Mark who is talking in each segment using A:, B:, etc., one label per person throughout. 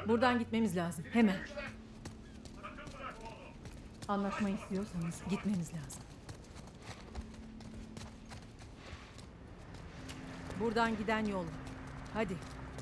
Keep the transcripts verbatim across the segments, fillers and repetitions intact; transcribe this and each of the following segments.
A: Buradan gitmemiz lazım. Hemen. Anlaşma istiyorsanız gitmemiz lazım. Buradan giden yol var. Hadi.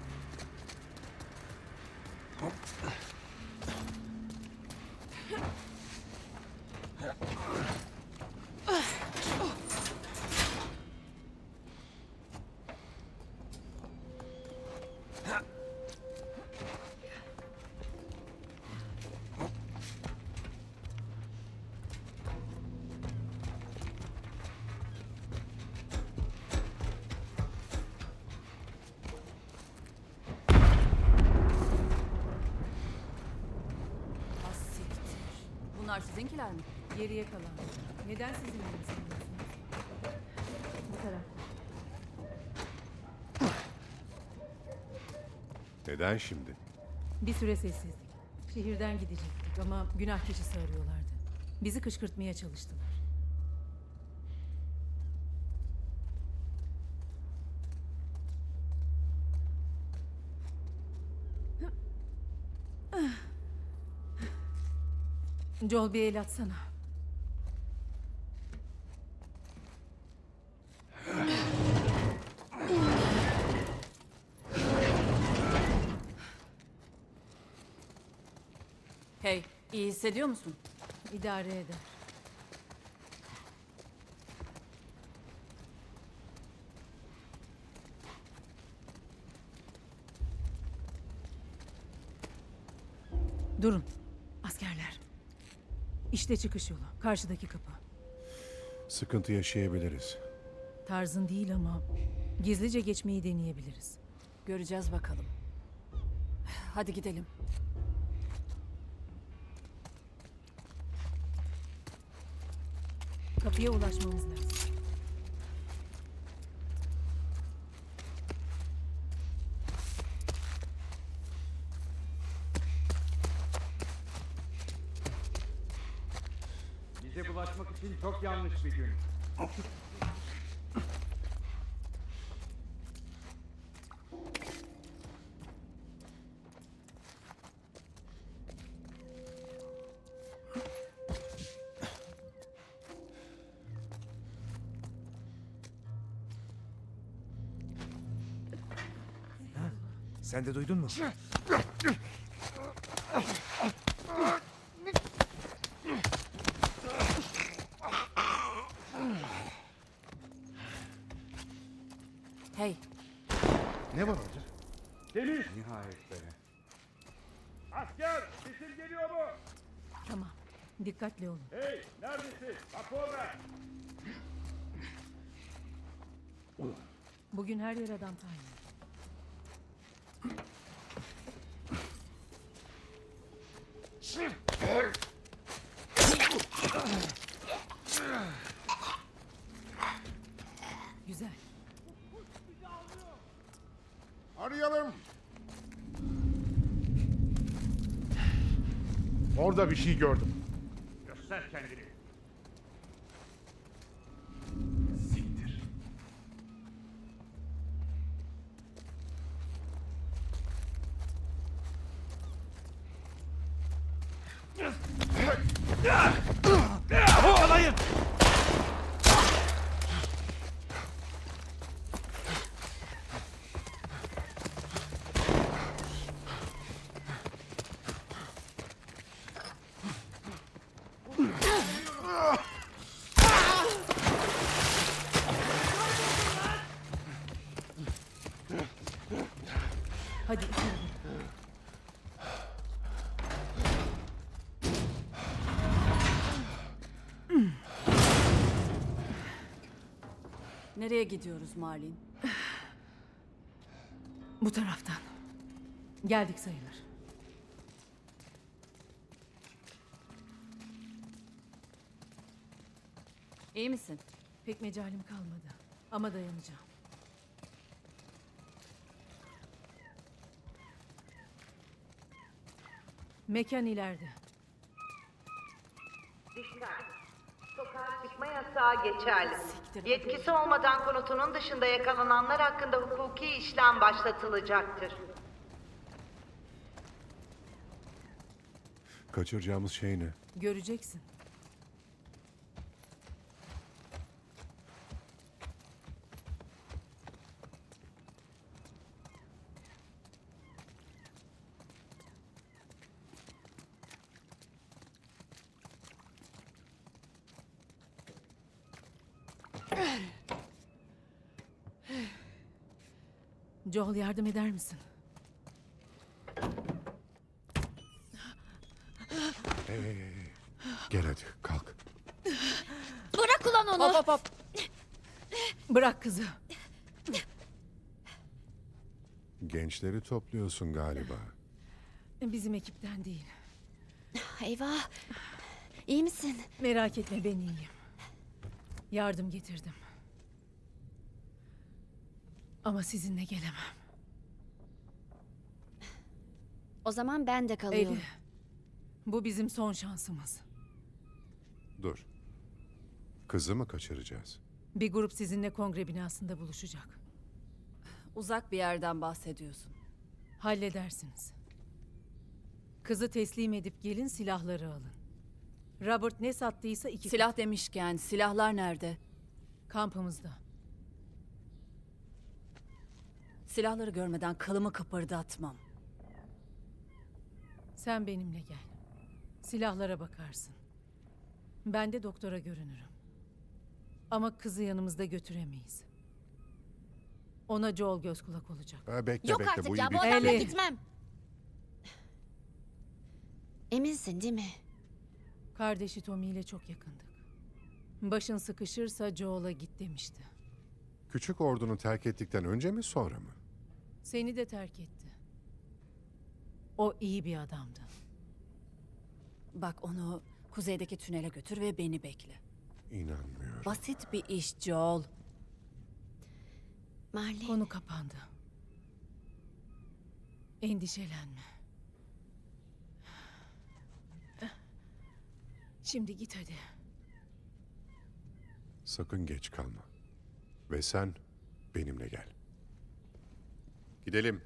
B: Bunlar sizinkiler mi?
A: Geriye kalan. Neden sizin elinizde? Bu taraf.
C: Neden şimdi?
A: Bir süre sessizlik. Şehirden gidecektik ama günah keçisi arıyorlardı. Bizi kışkırtmaya çalıştılar. Joel, bir el atsana.
B: Hey, iyi hissediyor musun?
A: İdare eder. Durun. Askerler. İşte çıkış yolu. Karşıdaki kapı.
C: Sıkıntı yaşayabiliriz.
A: Tarzın değil ama gizlice geçmeyi deneyebiliriz.
B: Göreceğiz bakalım. Hadi gidelim.
A: Kapıya ulaşmamız lazım.
D: Bize bulaşmak için çok yanlış bir gün.
E: Sen de duydun mu?
B: Hey,
E: Ne var orada?
D: Deniz! Nihayet be. Asker! Sesim geliyor mu?
A: Tamam. Dikkatli olun.
D: Hey! Neredesin? Rapor ver!
A: Bugün her yer adam tayin. Güzel.
F: Arayalım. Orada bir şey gördüm.
D: Göster kendini.
F: Siktir.
E: Yakalayın!
A: Hadi içeri.
B: nereye gidiyoruz Marlin?
A: Bu taraftan. Geldik sayılır.
B: İyi misin?
A: Pek mecalim kalmadı. Ama dayanacağım. Mekan ileride.
G: Dikkat! Sokağa çıkma yasağı geçerli.
B: Siktir,
G: Yetkisi olmadan konutunun dışında yakalananlar hakkında hukuki işlem başlatılacaktır.
C: Kaçıracağımız şey ne?
A: Göreceksin. Joel, yardım eder misin?
C: Hey, hey, hey. Gel hadi kalk.
H: Bırak ulan onu.
A: Hop hop hop. Bırak kızı.
C: Gençleri topluyorsun galiba.
A: Bizim ekipten değil.
H: Eyvah. İyi misin?
A: Merak etme, ben iyiyim. Yardım getirdim. Ama sizinle gelemem.
H: O zaman ben de kalıyorum.
A: Eli, bu bizim son şansımız.
C: Dur. Kızı mı kaçıracağız?
A: Bir grup sizinle kongre binasında buluşacak.
B: Uzak bir yerden bahsediyorsun.
A: Halledersiniz. Kızı teslim edip gelin, silahları alın. Robert ne sattıysa iki
B: Silah demişken silahlar nerede?
A: kampımızda.
B: Silahları görmeden kılımı kıpırdatmam.
A: Sen benimle gel. Silahlara bakarsın. Ben de doktora görünürüm. Ama kızı yanımızda götüremeyiz. Ona Joel göz kulak olacak.
C: Ha, bekle
H: Yok
C: bekle
H: artık
C: bu
H: ya
C: iyi
H: bu
C: bir...
H: adamla
A: Eli.
H: gitmem. Eminsin değil mi?
A: Kardeşi Tommy ile çok yakındık. Başın sıkışırsa Joel'a git demişti.
C: Küçük ordunu terk ettikten önce mi sonra mı?
A: Seni de terk etti. O iyi bir adamdı.
B: Bak onu kuzeydeki tünele götür ve beni bekle.
C: İnanmıyorum.
B: Basit bir iş Joel.
H: Marley.
A: Konu kapandı. Endişelenme. Şimdi git hadi.
C: Sakın geç kalma. Ve sen benimle gel. Gidelim.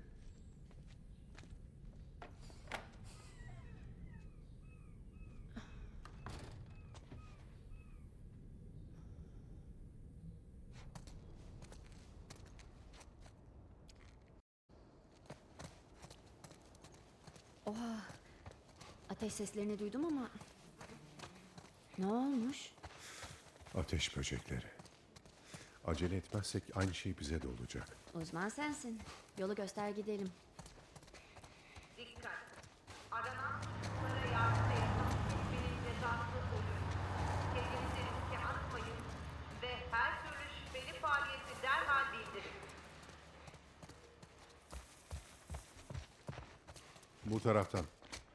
H: Oha. Ateş seslerini duydum ama... Ne olmuş?
C: Ateş böcekleri. Acele etmezsek aynı şey bize de olacak.
H: Uzman sensin. Yolu göster gidelim.
G: Dikkat. Aranan suçlulara yardım etmek şüphenin cezası olur. Kendinizi riske atmayın ve her türlü şüpheli faaliyeti derhal bildirin.
C: Bu taraftan.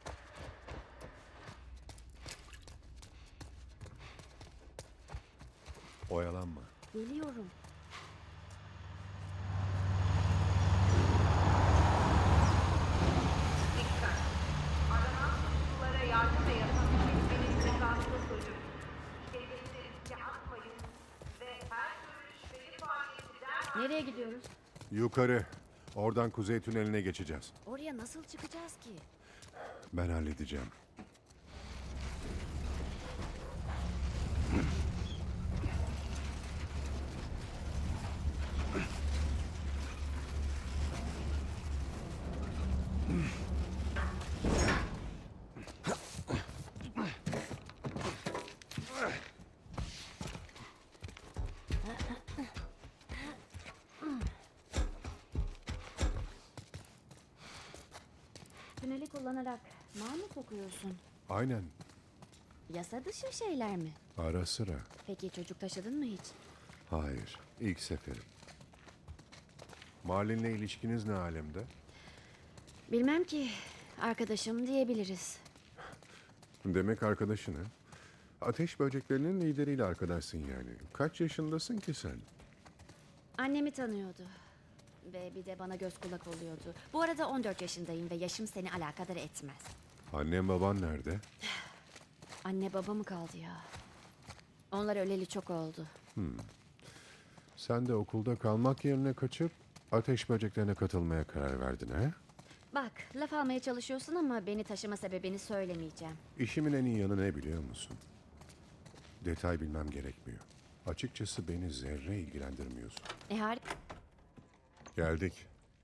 C: Oyalanma.
H: Geliyorum.
G: Dikkat. Aranan suçlulara yardım ve yasak şüphenin cezası olur. Kendinizi riske atmayın ve her türlü şüpheli faaliyeti derhal
H: Nereye gidiyoruz?
C: Yukarı. Oradan kuzey tüneline geçeceğiz.
H: Oraya nasıl çıkacağız ki?
C: Ben halledeceğim.
H: Tüneli kullanarak mal mı kokuyorsun?
C: Aynen.
H: Yasa dışı şeyler mi?
C: Ara sıra.
H: Peki çocuk taşıdın mı hiç?
C: Hayır. İlk seferim. Marlin'le ilişkiniz ne alemde?
H: Bilmem ki. Arkadaşım diyebiliriz.
C: Demek arkadaşın ha? Ateş böceklerinin lideriyle arkadaşsın yani. Kaç yaşındasın ki sen?
H: Annemi tanıyordu. Ve bir de bana göz kulak oluyordu. Bu arada on dört yaşındayım ve yaşım seni alakadar etmez.
C: Annen baban nerede?
H: Anne baba mı kaldı ya? Onlar öleli çok oldu.
C: Sen de okulda kalmak yerine kaçıp ateş böceklerine katılmaya karar verdin ha?
H: Bak, laf almaya çalışıyorsun ama beni taşıma sebebini söylemeyeceğim.
C: İşimin en iyi yanı ne biliyor musun? Detay bilmem gerekmiyor. Açıkçası beni zerre ilgilendirmiyorsun.
H: E har-
C: Geldik.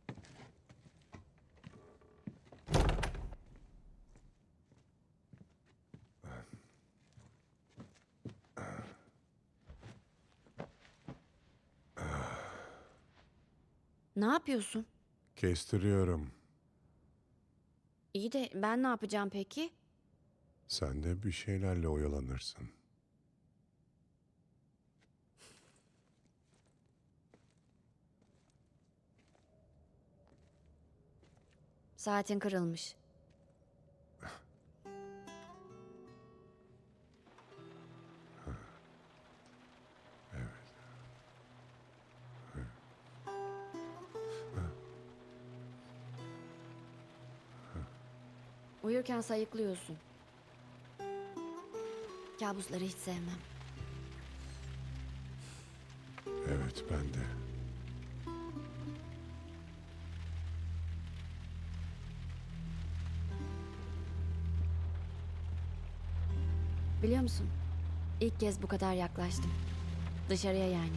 H: Ne yapıyorsun?
C: Kestiriyorum.
H: İyi de ben ne yapacağım peki?
C: Sen de bir şeylerle oyalanırsın.
H: Saatin kırılmış. Uyurken sayıklıyorsun. Kabusları hiç sevmem.
C: Evet, ben de.
H: Biliyor musun? İlk kez bu kadar yaklaştım. Dışarıya yani.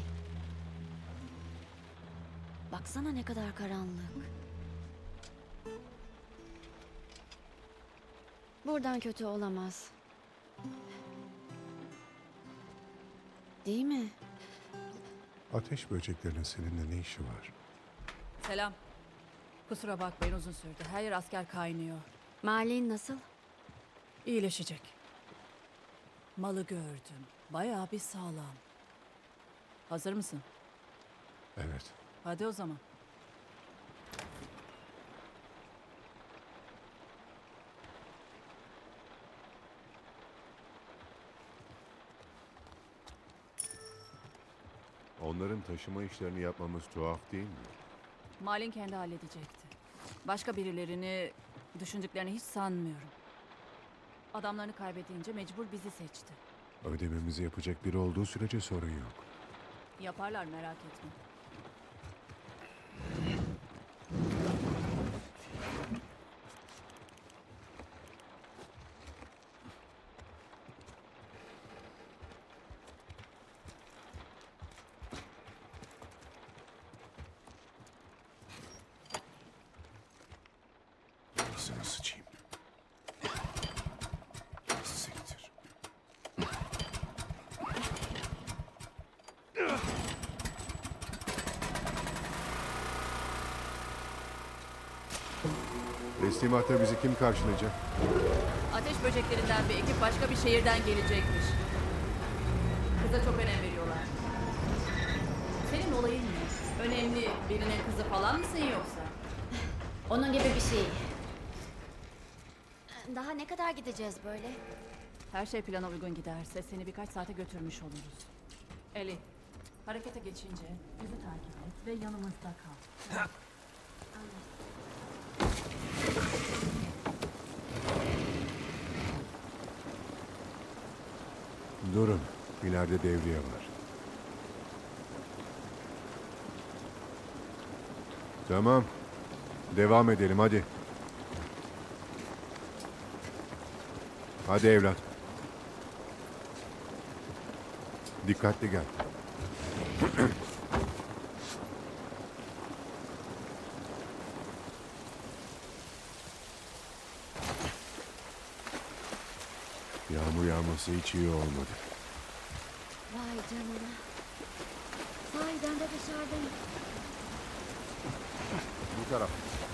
H: Baksana ne kadar karanlık. Buradan kötü olamaz. Değil mi?
C: Ateş böceklerinin seninle ne işi var?
B: Selam. Kusura bakmayın uzun sürdü. Her yer asker kaynıyor.
H: Malin nasıl?
B: İyileşecek. Malı gördüm. Bayağı bir sağlam. Hazır mısın?
C: Evet.
B: Hadi o zaman.
C: Onların taşıma işlerini yapmamız tuhaf değil mi?
B: Malin kendi halledecekti. Başka birilerini düşündüklerini hiç sanmıyorum. Adamlarını kaybedince mecbur bizi seçti.
C: Ödememizi yapacak biri olduğu sürece sorun yok.
B: Yaparlar merak etme.
C: Ağzına sıçayım. Siktir. Teslimatta bizi kim karşılayacak?
B: Ateş böceklerinden bir ekip başka bir şehirden gelecekmiş. Kıza çok önem veriyorlar. Senin olayın ne? Önemli birinin kızı falan mısın yoksa?
H: Onun gibi bir şey. Daha ne kadar gideceğiz böyle?
B: Her şey plana uygun giderse seni birkaç saate götürmüş oluruz. Eli, harekete geçince bizi takip et ve yanımızda kal.
C: Durun. İleride devriye var. Tamam. Devam edelim hadi. Hadi evlat. Dikkatli gel. Yağmur yağması hiç iyi olmadı.
H: Vay canına. Sahiden de dışarıdayım.
C: Bu taraf.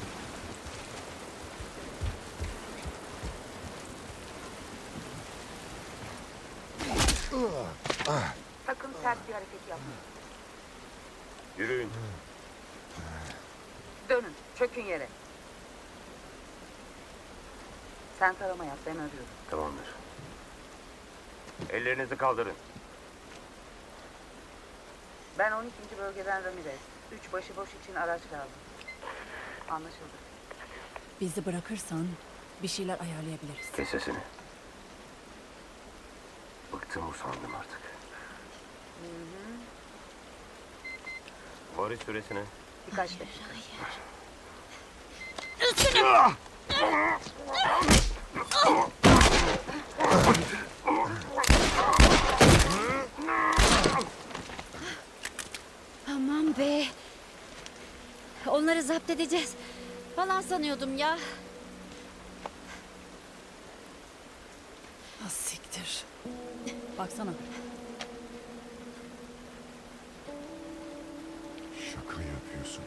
G: Sakın sert bir hareket yapmayın.
D: Yürüyün.
G: Dönün, çökün yere. Sen tarama yap, ben arıyorum.
D: Tamamdır. Ellerinizi kaldırın.
G: Ben on ikinci bölgeden Ramirez. Üç başıboş için araç lazım. Anlaşıldı.
B: Bizi bırakırsan bir şeyler ayarlayabiliriz.
D: Kes sesini. Bıktım usandım artık. Varış süresine.
G: Birkaç dakika.
H: Aman be. Onları zapt edeceğiz falan sanıyordum ya.
B: Ah, siktir. Baksana.
C: Şaka yapıyorsun.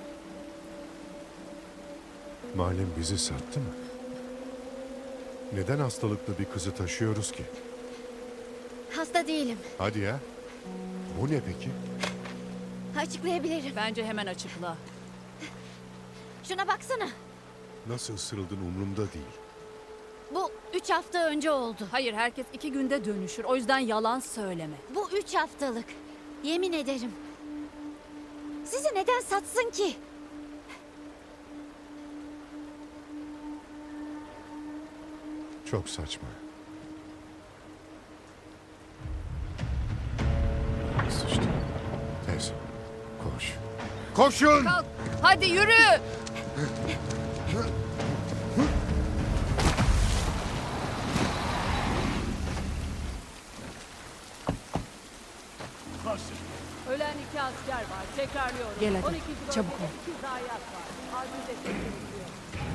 C: Malem bizi sattı mı? Neden hastalıklı bir kızı taşıyoruz ki?
H: Hasta değilim.
C: Hadi ya. Bu ne peki?
H: Açıklayabilirim.
B: Bence hemen açıkla.
H: Şuna baksana.
C: Nasıl ısırıldın umurumda değil.
H: Bu üç hafta önce oldu.
B: Hayır, herkes iki günde dönüşür. O yüzden yalan söyleme.
H: Bu üç haftalık. Yemin ederim. Sizi neden satsın ki?
C: Çok saçma. Sıçtı. Tez. Koş. Koşun!
B: Kalk, hadi yürü.
I: Ölen iki asker var. Tekrarlıyorum.
B: Gel hadi,
I: on ikinci bölgede
B: çabuk ol.
I: iki zayiat var. Acil destek gerekiyor.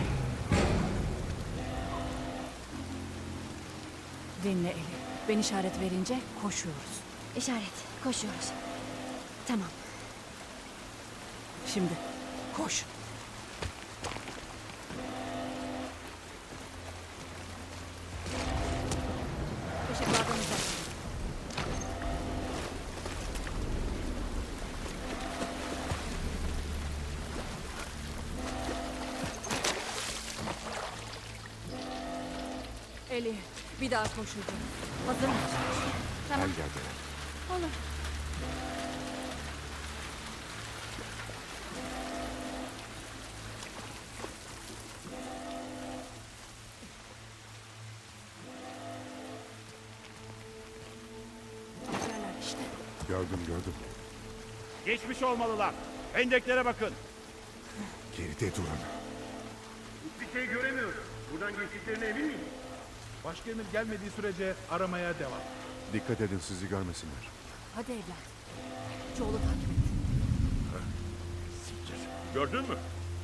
B: Dinle Eli. Ben işaret verince koşuyoruz.
H: İşaret. Koşuyoruz. Tamam.
B: Şimdi koş. Işıklardan uzak. Eli, bir daha koşacağız. Hazır mısın?
C: Gel gel gel.
B: Olur. Askerler işte.
C: Gördüm gördüm.
F: Geçmiş olmalılar. Hendeklere bakın.
C: Geride durun.
D: Bir şey göremiyorum. Buradan geçtiklerine emin miyim?
F: Başka emir gelmediği sürece aramaya devam.
C: Dikkat edin sizi görmesinler.
B: Hadi evlat. Çoğulu takip et.
D: Gördün mü?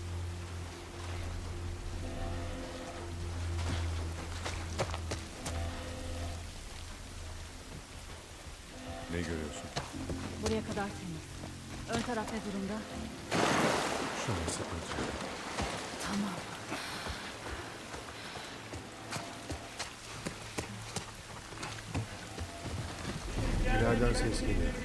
C: Ne görüyorsun?
B: Buraya kadar temiz. Ön taraf ne durumda?
C: Şu an sıkıntı yok.
B: Tamam.
C: İleriden ses geliyor.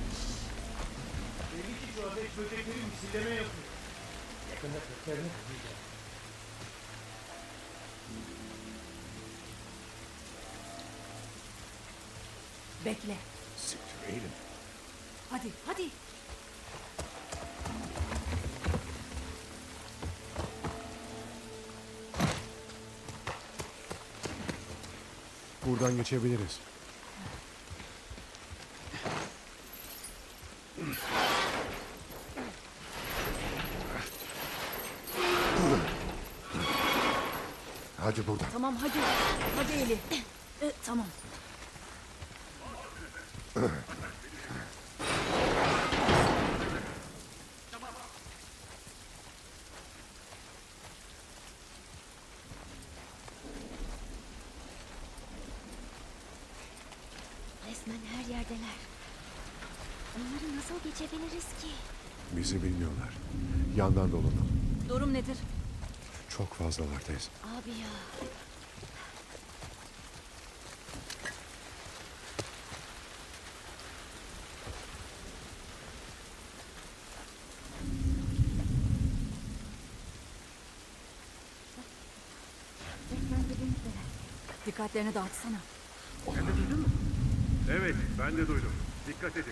B: Bekle.
C: Siktir eğilin.
B: Hadi, hadi.
C: Buradan geçebiliriz. Hadi buradan.
B: Tamam, hadi. Hadi Eli. Ee, tamam.
H: Resmen her yerdeler. Onları nasıl geçebiliriz ki?
C: Bizi bilmiyorlar. Yandan dolanalım.
B: Durum nedir?
C: Çok fazlalar teyze.
H: Abi ya. Resmen dibimizdeler.
B: Dikkatlerini dağıtsana.
D: Evet, ben de duydum. Dikkat edin.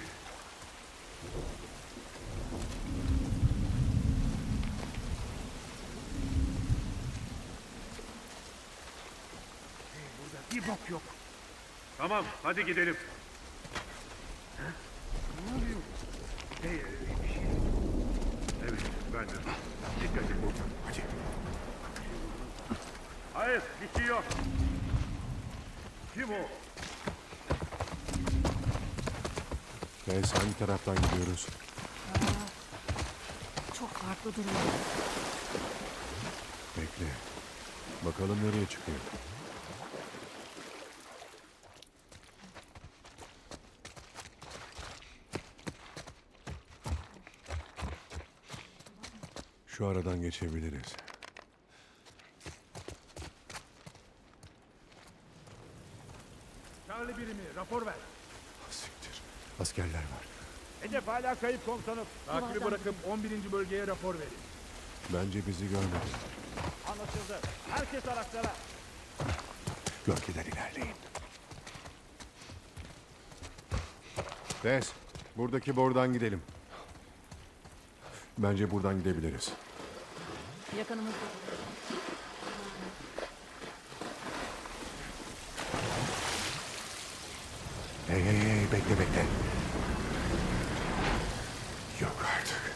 F: Bir bok yok.
D: Tamam, hadi gidelim.
F: Ne oluyor?
D: Hey, bir şey. Evet, ben de. Dikkat edin.
C: Hadi.
D: Hayır, bir şey yok. Kim o?
C: Tess, hangi taraftan gidiyoruz?
B: Çok farklı duruyor.
C: Bekle. Bakalım nereye çıkıyor. Şu aradan geçebiliriz.
F: Charlie birimi rapor ver.
C: Siktir. Askerler var.
F: Hedef hala kayıp komutanım. Takibi bırakıp on birinci bölgeye rapor verin.
C: Bence bizi görmedi.
F: Anlaşıldı. Herkes araçlara.
C: Gölgeden ilerleyin. Tess, buradaki bordan gidelim. Bence buradan gidebiliriz.
B: Yakınımızda.
C: Hey hey hey, bekle bekle. Yok artık.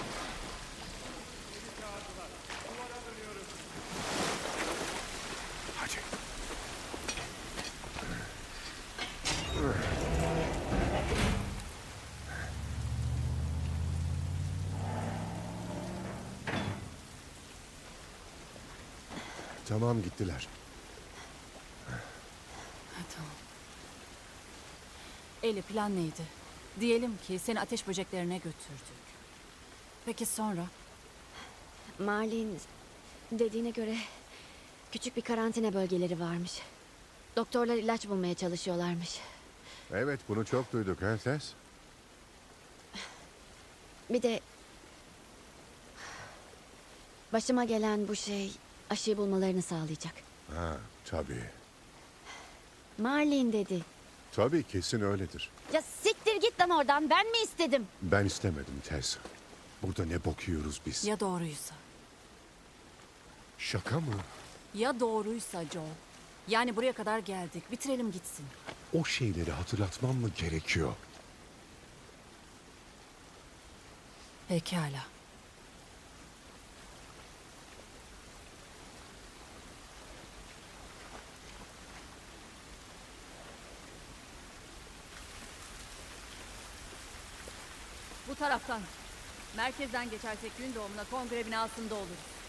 C: Hadi. Tamam, gittiler.
B: Tamam. Eli, plan neydi? Diyelim ki seni ateş böceklerine götürdük. Peki sonra?
H: Marlin dediğine göre küçük bir karantina bölgeleri varmış. Doktorlar ilaç bulmaya çalışıyorlarmış.
C: Evet, bunu çok duyduk ha Tess?
H: Bir de başıma gelen bu şey aşıyı bulmalarını sağlayacak.
C: Ha, tabii.
H: Marlin dedi.
C: Tabii, kesin öyledir.
H: Ya siktir git lan oradan, ben mi istedim?
C: Ben istemedim Tess. Burada ne bok yiyoruz biz?
B: Ya doğruysa?
C: Şaka mı?
B: Ya doğruysa Joel? Yani buraya kadar geldik. Bitirelim gitsin.
C: O şeyleri hatırlatmam mı gerekiyor?
B: Pekala. Bu taraftan. Merkezden geçersek gün doğumuna kongre binasında oluruz.